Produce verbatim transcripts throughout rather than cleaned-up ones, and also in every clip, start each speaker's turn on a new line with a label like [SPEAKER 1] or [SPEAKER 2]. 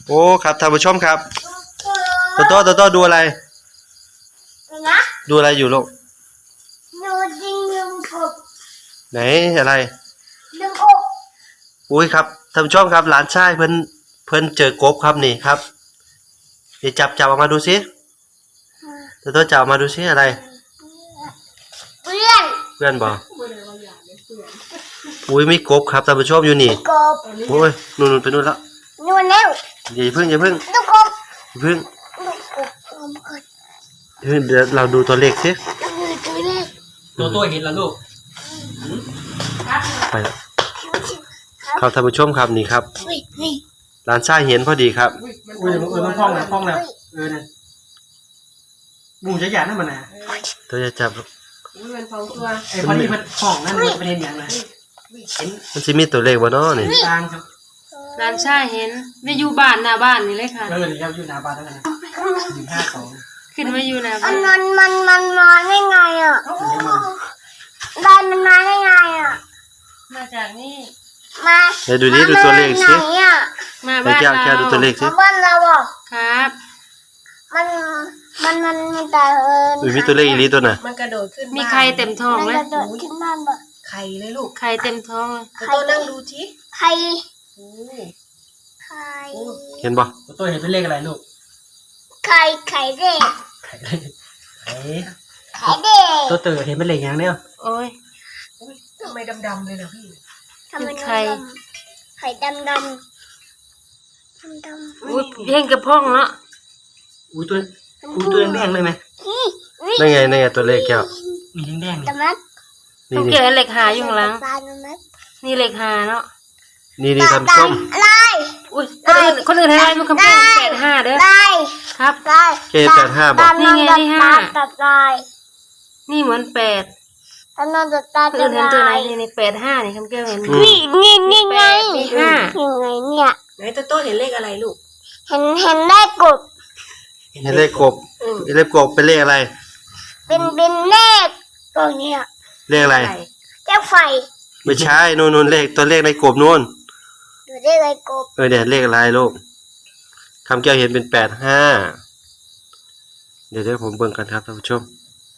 [SPEAKER 1] โอ้ครับท่านผู้ชมครับโตโต้โตโต้ดูอะไรดูอะไรอยู่ลูก
[SPEAKER 2] ดูดิงลุงกบ
[SPEAKER 1] ไหนอะไร
[SPEAKER 2] ลุงกบ
[SPEAKER 1] อุ้ยครับท่านผู้ชมครับหลานชายเพิ่นเพิ่นเจอกบครับนี่ครับเดี๋ยวจับจับออกมาดูสิโตโต้จับออกมาดูสิอะไร
[SPEAKER 2] เพื่อน
[SPEAKER 1] เพื่อนบอกอุ้ยมีกบครับท่านผู้ชมอยู่นี่
[SPEAKER 2] กบ
[SPEAKER 1] โอ้ยนู่นๆไปนู่นแล้ว
[SPEAKER 2] นู่นแล้ว
[SPEAKER 1] อย่าเพิ่งอย่าเพิ่ง
[SPEAKER 2] ลุงกบ
[SPEAKER 1] อย่าเพิ่ง
[SPEAKER 2] ลุงกบลุงกบ
[SPEAKER 1] เดี๋ยวเราดูตัวเลขสิ
[SPEAKER 2] ตัวเลข
[SPEAKER 3] ตัวตัวเห็นแล้วลูก
[SPEAKER 1] ไปครับท่านผู้ชมครับนี่ครับหลานชายเห็นพอดีครับ
[SPEAKER 3] อุ้ยเออมันพองนะพองนะเออเนี่ยบูจะหยาดนั่นมันนะ
[SPEAKER 1] ตัวจะจับ
[SPEAKER 3] อุ้ยมันพองตัวไอ้พอดีมันพองนั่นมันเป็นอย่างไร
[SPEAKER 1] มันจะมีตัวเลขวะเนาะนี่
[SPEAKER 3] กลางครับ
[SPEAKER 4] ร้านชายเห็นไม่อยู่บ้านหน้าบ้านนี่เลยค่ะ
[SPEAKER 3] เออนี่ครับอยู่หน้าบ้านแล้วกันนะหนึ่งห้าสอง
[SPEAKER 4] ขึ้นมาอยู่หน้าบ้า
[SPEAKER 2] อั
[SPEAKER 4] น
[SPEAKER 2] นนั้นมันมันมาได้ไงอ่ะได้มันมาได้ไงอ่ะ
[SPEAKER 4] มาจากนี่
[SPEAKER 2] มา
[SPEAKER 1] เดี๋ยวดูดิดูตัวเลขสิ
[SPEAKER 4] มาบ้านเรา
[SPEAKER 1] แค่ดูตัวเลขสิ
[SPEAKER 2] มาบ้านเราอ่ะ
[SPEAKER 4] ครับ
[SPEAKER 2] มันมันมันมันแต่เออ
[SPEAKER 1] มีตัวเลขอีลีตัวน่ะ
[SPEAKER 5] มันกระโดดขึ้น
[SPEAKER 4] มีใครเต็มท้องไหม
[SPEAKER 2] มันกระโดดขึ้นบ้านบ่
[SPEAKER 5] ไข่เลยลูก
[SPEAKER 4] ใครเต็มท้อง
[SPEAKER 5] ตัวนั่งดูที
[SPEAKER 2] ไข่ไข่
[SPEAKER 1] เห็นบ่
[SPEAKER 3] ตัวเห็นเป็นเลขอะไรลูก
[SPEAKER 2] ไข่ไข่เด็ก
[SPEAKER 3] ไข่ไข่
[SPEAKER 2] ไข่เด็ก
[SPEAKER 3] ตัวเต๋อเห็นเป็นเลขอย่างเนี้ย
[SPEAKER 4] โอ้ย
[SPEAKER 5] ทำไมดำๆเลยนะพี่
[SPEAKER 2] ทำไมไข่ไข่ดำดำดำดำ
[SPEAKER 4] อุ้ยเพ่งกระพ้องเนาะ
[SPEAKER 3] อุ้ยตัวอุ้ยตัวแดงเลยไหม
[SPEAKER 1] นั่นไงนั่นไงตัวเลขแก้ว
[SPEAKER 3] มีแดง
[SPEAKER 2] ๆมัด
[SPEAKER 4] ต้องเกี่ยวเหล็กหาอยู่ข้างหลังนี่เหล็กหาเนาะ
[SPEAKER 1] นี่นี่ท่านผู้ชม
[SPEAKER 2] อะไร
[SPEAKER 4] อุ้ยคนอื่นคนอื่นให้อะไรมันคำแพงแปดห้าเด้อครับ
[SPEAKER 2] ได้
[SPEAKER 1] เคแปดห้าบอก
[SPEAKER 4] นี่ไงที่ห้า
[SPEAKER 2] ตัดได้
[SPEAKER 4] นี่เหมือนแปด
[SPEAKER 2] ตอนนั้นจะตัด
[SPEAKER 4] คนอื่นเห็นตัวไหนนี่ในแปดห้านี่คำแก้วเห็น
[SPEAKER 2] นี่นี่นี่ไง
[SPEAKER 4] นี่ห้า
[SPEAKER 2] ยังไงเนี่ย
[SPEAKER 5] ไหนตัวโตเห็นเลขอะไรลูก
[SPEAKER 2] เห็นเห็นเลขกบ
[SPEAKER 1] เห็นเลขกบเลขกบเป็นเลขอะไร
[SPEAKER 2] เป็นเป็นเลขตัวเนี้ย
[SPEAKER 1] เลขอะไร
[SPEAKER 2] เลขไฟ
[SPEAKER 1] ไม่ใช่นู่นนู่นเลขตัวเลขในกบนู่น
[SPEAKER 2] ตัวเลขอะไรกบ
[SPEAKER 1] เออเดี๋ยวเลขอะไรลูกคำแก้วเห็นเป็นแปดห้าเดี๋ยวเดี๋ยวผมเบิ่งกันครับท่านผู้ชม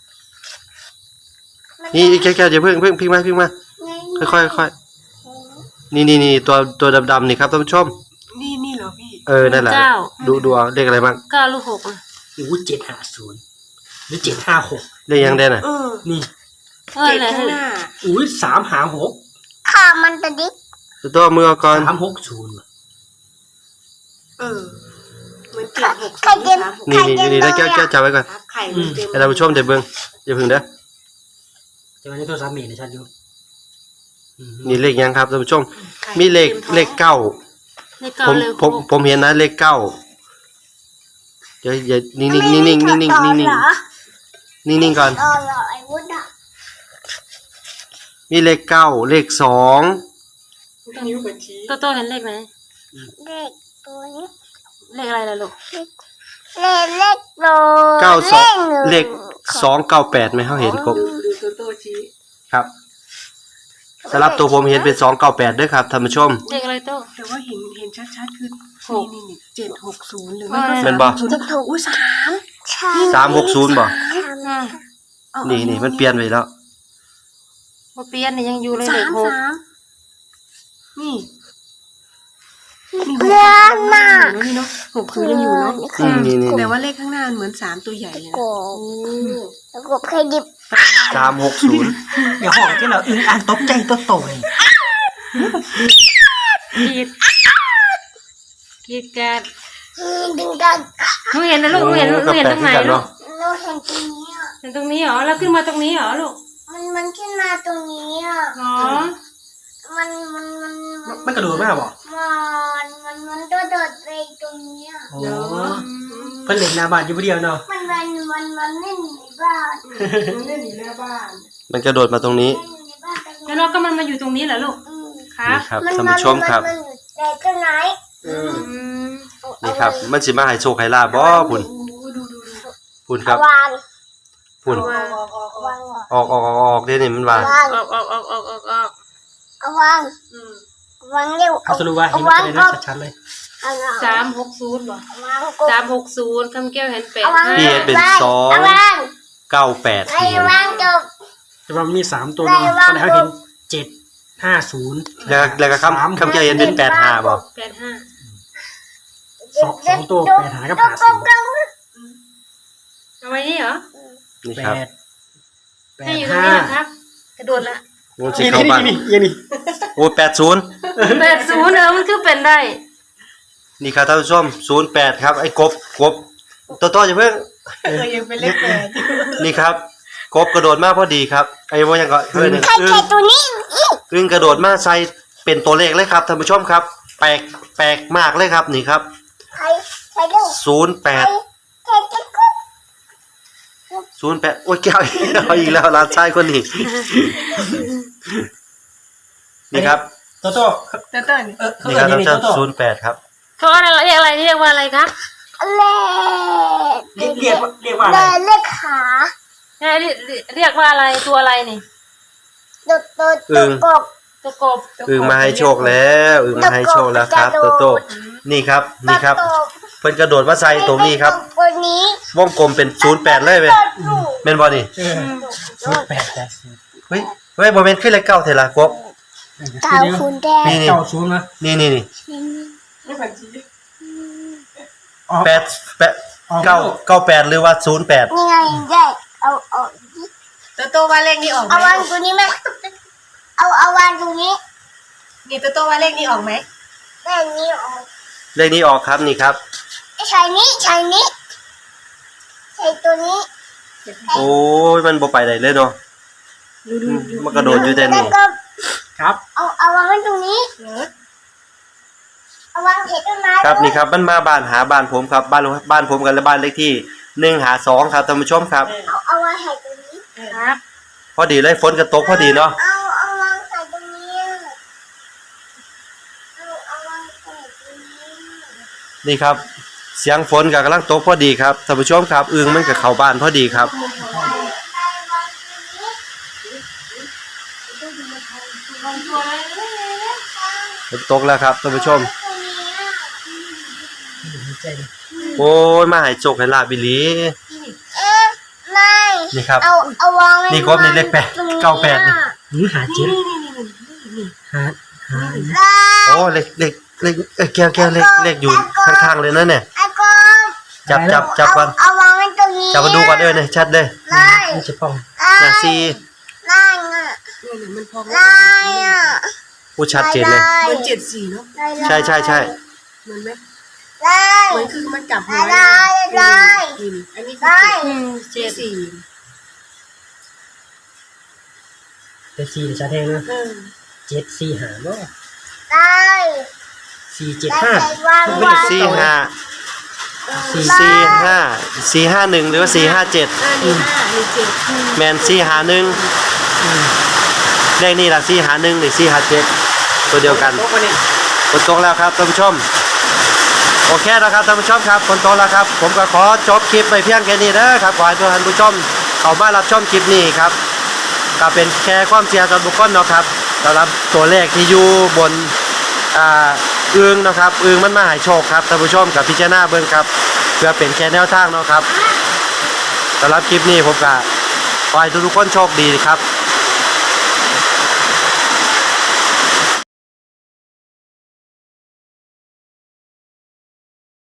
[SPEAKER 1] นี่แก้วแก้วอย่าเพิ่งเพิ่งพิงมาพิงมาค่อยๆค่อยๆนี่นี่นี่ตัวตัวดำๆนี่ครับท่านผู้ชม
[SPEAKER 5] นี่นี่เหรอพี่
[SPEAKER 1] เออนั่นแหละดูดูเอาเลขอะไรบ้าง
[SPEAKER 4] เก้าลูกหกอ่ะ
[SPEAKER 3] อุ้ยเจ็ดห้าศูนย์หรือเจ็ดห้าหก
[SPEAKER 1] เลขยังได้น่ะ
[SPEAKER 3] นี่
[SPEAKER 4] เจ็ดข้างหน้า
[SPEAKER 3] อุ้ยสามหาหก
[SPEAKER 2] ข้ามันตะดิ
[SPEAKER 1] ตัวตัวมือก่อน
[SPEAKER 3] สามหกศูนย์
[SPEAKER 5] เออเหมือนเจ็ดหก
[SPEAKER 2] ไข่เต็ม
[SPEAKER 1] นี่นี่นี่แล้วแก้วแก้วจับไว้ก่อน
[SPEAKER 5] ไข่มันเต็ม
[SPEAKER 1] ให้ท่านผู้ชมได้เบิ่งอย่าเพิ่งเด้อ
[SPEAKER 3] จะมาในตัวสามเมตรในชั้นอยู่
[SPEAKER 1] นี่เลขยังครับท่านผู้ชมมีเลขเลขเก้าผมผมผมเห็นนะเลขเก้าเดี๋ยวอย่านิ่งนิ่งนิ่งนิ่งนิ่งนิ่งนิ่งนิ่งนิ่งนิ่งก่อนมีเลขเก้าเลขสอง
[SPEAKER 4] ตัวโตเห็นเลขไหม
[SPEAKER 2] เลขตัวนี้
[SPEAKER 4] เลขอะไรล่ะลูก
[SPEAKER 2] เลขเลขโต
[SPEAKER 1] เก้าสองเลขสองเก้าแปดไหมเขาเห็นครับ
[SPEAKER 5] ดูตัวโตชี้
[SPEAKER 1] ครับสำหรับตัวผมเห็นเป็นสองเก้าแปดด้วยครับท่านผู้ชม
[SPEAKER 4] เลขอะไรโต
[SPEAKER 5] แต่ว่าเห็นเห็นชัดๆคือนี่นี่เจ็ดหกศูนย์หรือไม่
[SPEAKER 1] ก็เป็นบ่
[SPEAKER 5] ศูนย์ถูกอุ้ยสาม
[SPEAKER 1] สามหกศูนย์บ่นี่นี่มันเปลี่ยนไปแล้ว
[SPEAKER 4] มาเปลี่ยนนี่ยังอยู่เลยเลขหก
[SPEAKER 5] นี่
[SPEAKER 2] เพื่อนน่ะ
[SPEAKER 5] นี่เนาะหกคือยังอยู่เนาะ
[SPEAKER 1] นี่นี่
[SPEAKER 5] แต่ว่าเลขข้างหน้าเหมือนสามตัวใหญ่เลย
[SPEAKER 2] กบแล้วกบใครดิบ
[SPEAKER 1] สามหกศูนย์
[SPEAKER 3] เดี๋ยวห้องที่เราอึ้งอ่านตกใจตัวโตเลย
[SPEAKER 4] กีดกีดกัน
[SPEAKER 2] ดึงกัน
[SPEAKER 4] หนูเห็นนะลูกหนูเห็นหนูเห็นตรงไหนลูก
[SPEAKER 2] เราเห็นตรงนี้อ่ะ
[SPEAKER 4] เห็นตรงนี้เหรอแล้วขึ้นมาตรงนี้เหรอลูก
[SPEAKER 2] มันมันขึ้นมาตรงนี้อ่ะ
[SPEAKER 4] อ๋อ
[SPEAKER 2] มันมันมัน
[SPEAKER 3] มันกระโดดมากบ่
[SPEAKER 2] มันมันมันโดดโดดไปตรงนี้อ่ะ
[SPEAKER 3] โอ้เพิ่นเล่นหน้าบ้านอยู่เดียวเนาะ
[SPEAKER 2] มันมันมันมันเล่นในบ้าน
[SPEAKER 5] มันเล่นอยู่หน้าบ้าน
[SPEAKER 1] มันกระโดดมาตรงนี้
[SPEAKER 4] แล้วเราก็มันมาอยู่ตรงนี้เหรอลูกครับ
[SPEAKER 1] ครับท่านผู้ชมครับ
[SPEAKER 2] แต่ตรงไหน
[SPEAKER 1] นี่ครับมันสิมาให้โชคให้ลาบบ่พุ่นพุ่นครับพุ่นออกออกออกออกเดี๋ยวนี้มันว่า
[SPEAKER 4] ออกออกออกออกออกออก
[SPEAKER 2] เอาวางวางเร็ว
[SPEAKER 3] เอาสรุปว่าเห็นอะไรนะชัดๆเลย
[SPEAKER 4] สามหกศูนย์บ่
[SPEAKER 2] วางกบ
[SPEAKER 4] สามหกศูนย์คำแก้วเห็นแปด
[SPEAKER 2] เอาวาง
[SPEAKER 4] ห้า
[SPEAKER 1] พี่เห็นเป็นสอง
[SPEAKER 2] เอาวาง
[SPEAKER 1] เก้าแปด
[SPEAKER 2] ไอ้
[SPEAKER 1] พี่เห็น
[SPEAKER 2] วางจบ
[SPEAKER 3] แต่ว่ามันมีสามตัวเนาะ
[SPEAKER 2] ได้ว่า
[SPEAKER 3] ตอนแรกเขาเห็นเจ็ดห้าศูนย์
[SPEAKER 1] แล้วแล้วก็คำคำแก้วเห็นเป็นแปดห้าบ่
[SPEAKER 4] แปดห้า
[SPEAKER 3] สองสองตัวแปดหากับหาศูนย์
[SPEAKER 4] เอาไว้นี่เหรอ
[SPEAKER 1] นี่
[SPEAKER 3] แป
[SPEAKER 1] ครับ
[SPEAKER 3] ดแป
[SPEAKER 4] ให้
[SPEAKER 3] ด
[SPEAKER 4] อยู่ตรง
[SPEAKER 3] ห้า
[SPEAKER 4] นี้นะครับ กระโดดละ
[SPEAKER 1] โอ้สิ
[SPEAKER 3] นี่
[SPEAKER 1] เข้า
[SPEAKER 3] นี่
[SPEAKER 1] บ้าน
[SPEAKER 3] นี่นี่นี่
[SPEAKER 1] โอ้แปดศูนย์
[SPEAKER 4] แปดศูนย์เออมันคือเป็นได้
[SPEAKER 1] นี่ครับท่านผู้ชมศูนย์แปดครับไอ้กบกบตัวโตจะเพิ่ง
[SPEAKER 5] เออยังเป็นเลขแปด
[SPEAKER 1] นี่ครับกบกระโดดมาพอดีครับไอ้โมยังก็เพื่อน
[SPEAKER 2] ใคร
[SPEAKER 1] อึ้
[SPEAKER 2] ใครง ตัวนี้
[SPEAKER 1] อึ้งกระโดดมาใส่เป็นตัวเลขเลยครับท่านผู้ชมครับ แปลกแปลกมากเลยครับนี่ครับ
[SPEAKER 2] ใครใครเร็ว
[SPEAKER 1] ศูนย์แป
[SPEAKER 2] ใคร
[SPEAKER 1] ด
[SPEAKER 2] ใครจะกุ๊บ
[SPEAKER 1] ศูนย์แปดโอ้ยแก้วเอาอีกแล้วร้านชายคนนี้นี่ครับ
[SPEAKER 3] โตโต้
[SPEAKER 5] แต่ต้น
[SPEAKER 3] เออเขา
[SPEAKER 1] นี่
[SPEAKER 3] เกิ
[SPEAKER 1] ครั
[SPEAKER 3] ด
[SPEAKER 1] บ
[SPEAKER 3] นี่
[SPEAKER 1] ท่าน
[SPEAKER 3] นี่โต
[SPEAKER 1] ผู้ชม
[SPEAKER 3] โต้
[SPEAKER 1] ศูนย์แปดครับ
[SPEAKER 4] เขาอะไรเรียกอะไรเรียกว่าอะไรคะ
[SPEAKER 2] เล่
[SPEAKER 3] เรียกเรียกว่าเรียกว่าอะไร
[SPEAKER 2] เล่เล่ขา
[SPEAKER 4] เรียกเรียกว่าอะไรตัวอะไรนี่
[SPEAKER 2] ตัวตัวตัวกบ
[SPEAKER 4] ตัวกบ
[SPEAKER 1] อึ้งมาให้โชคแล้วอึ้งมาให้โชคแล้วครับโตโต้นี่ครับนี่ครับ
[SPEAKER 2] ตัว
[SPEAKER 1] เพิ่นกระโดดมาใส่ตรงนี้ครับ
[SPEAKER 2] ตัวนี้
[SPEAKER 1] วงกลมเป็นศูนย์แปดเลยเว้ยแม่นบ่นี่
[SPEAKER 3] เออศูนย์แปดแปดศูนย์
[SPEAKER 1] เฮ้ยเฮ้ยบ่แม่นขึ้นเลขเก้าเท่าล่ะกบ
[SPEAKER 2] เต่าคุณแดง
[SPEAKER 1] นี่นี่
[SPEAKER 3] เก้าศูนย์นะ
[SPEAKER 1] นี่นี่นี่
[SPEAKER 5] ไม่ผันจี
[SPEAKER 3] ออก
[SPEAKER 1] แปดแปดเก้าเก้าแปดหรือว่าศูนย์แปด
[SPEAKER 2] นี่ไงแยกเอาเอา
[SPEAKER 5] ตัวโตว่าเลขนี้ออกไหม
[SPEAKER 2] เอาวางตัวนี้ไหมเอาเอาวางตรงนี้
[SPEAKER 5] นี่ตัวโตว่าเลขนี้ออกไหม
[SPEAKER 2] แม่นี้เอา
[SPEAKER 1] เลขนี้ออกครับนี่ครับ
[SPEAKER 2] ใช้นี้ใช้นี้ใช้ตัวนี้
[SPEAKER 1] โอ้ยมันบ่ไปได้เลยเนาะอืมมันกระโดดอยู่แต่
[SPEAKER 2] แล้ว
[SPEAKER 1] นี่
[SPEAKER 2] ก็
[SPEAKER 3] ครับ
[SPEAKER 2] เอาเอาวางไว้ตรงนี้
[SPEAKER 5] เออ
[SPEAKER 2] เอาวางเห็ดต้นไม้
[SPEAKER 1] ครับนี่ครับมันมาบ้านหาบ้านผมครับบ้านบ้านผมกันและบ้านเลขที่หนึ่งหาสองครับท่านผู้ชมครับ
[SPEAKER 2] เอาเอาวางเห็ดตรงนี้
[SPEAKER 4] ครับ
[SPEAKER 1] พอดีเลยฝนกระตกพอดีเนาะ
[SPEAKER 2] เอาเอาวางใส่ตรงนี้เอาเอาวางใส่ตรงนี้
[SPEAKER 1] นี่ครับ เสียงฝนกับกำลังตกพอดีครับท่านผู้ชมครับอึงมันกับเข้าบ้านพอดีครับ ฝนตกแล้วครับท่านผู้ชม
[SPEAKER 3] ใจดิ
[SPEAKER 1] โอ้ยมาให้โชคให้ลาบบิลี
[SPEAKER 2] เอ๊ะไม่
[SPEAKER 1] นี่ครับ
[SPEAKER 2] เอาเอาวางไว้
[SPEAKER 1] นี่ครบนี่เลขแปด
[SPEAKER 2] ตรงนี้
[SPEAKER 1] เก้าแปดนี่
[SPEAKER 3] หรือหาเจ็ดหาหา
[SPEAKER 2] ได้
[SPEAKER 1] โอ้เลขเลขเลขเอ้ยแก้วแก้วเลขเลขอยู่ข้างๆเลยนะเนี่ย
[SPEAKER 2] ไอ้กอน
[SPEAKER 1] จับจับจับก่อน
[SPEAKER 2] เอาวางไว้ตรงนี้
[SPEAKER 1] จับมาดูก่อนเอ้ยเนี่ยชัดเลย
[SPEAKER 2] ไล่
[SPEAKER 3] นี่จะป้อง
[SPEAKER 2] ไล่
[SPEAKER 1] น่ะสี่
[SPEAKER 2] ไล่อ่ะ
[SPEAKER 5] เนี่ยเนี่ยมันพอง
[SPEAKER 2] ไล่อ่ะ
[SPEAKER 1] ผู้ชัดเจนเลย
[SPEAKER 2] ไ
[SPEAKER 5] มันเจ็ดสี่เนาะ
[SPEAKER 2] ไล่ไล่
[SPEAKER 1] ใช่ใช่ใช่
[SPEAKER 5] เหมือนไหม
[SPEAKER 2] ไล่
[SPEAKER 5] เหมือนคือมันกลับหัว
[SPEAKER 2] ไล่ไล่
[SPEAKER 5] นี่นี่อันนี้คือ
[SPEAKER 2] ไล่
[SPEAKER 4] อืม
[SPEAKER 5] เจ็
[SPEAKER 4] เจ็
[SPEAKER 5] ด
[SPEAKER 4] ด
[SPEAKER 5] สี่
[SPEAKER 3] แต่สี่จะแทงนะ
[SPEAKER 5] เออ
[SPEAKER 3] เจ็ดสี่หาเนาะ
[SPEAKER 2] ไล่
[SPEAKER 3] สี่เจ็ด
[SPEAKER 2] ไล่
[SPEAKER 3] ห้า
[SPEAKER 2] ใส่วางวาง
[SPEAKER 1] สี่ห้า
[SPEAKER 3] สี่
[SPEAKER 1] สี่ห้าสี่ห้าหนึ่งหรือว่าสี่ห้าเจ็ด
[SPEAKER 5] อันนี้ห้าอันนี้เจ็ด
[SPEAKER 1] แมนสี่หาหนึ่งเลขนี่ละสี่หาหนึ่งหรือสี่หาเจ็ดตัวเดียวกัน
[SPEAKER 3] โต๊ะวันนี้
[SPEAKER 1] ฝนตกแล้วครับท่านผู้ชมโอเคนะครับท่านผู้ชมครับฝนตกแล้วครับ ผมก็ขอจบคลิปไปเพียงแค่นี้นะครับขอให้ทุกท่านผู้ชมเข้ามารับชมคลิปนี้ครับก็เป็นแค่ความเชื่อส่วนบุคคลเนาะครับสำหรับตัวเลขที่อยู่บนอ่าอึงนะครับอึงมันมาให้โชคครับท่านผู้ชมกับพิจารณาเบิ่งครับเพื่อเป็นแค่แนวทางเนาะครับสำหรับคลิปนี้ผมก็ขอให้ทุกๆคนโชคดีครับ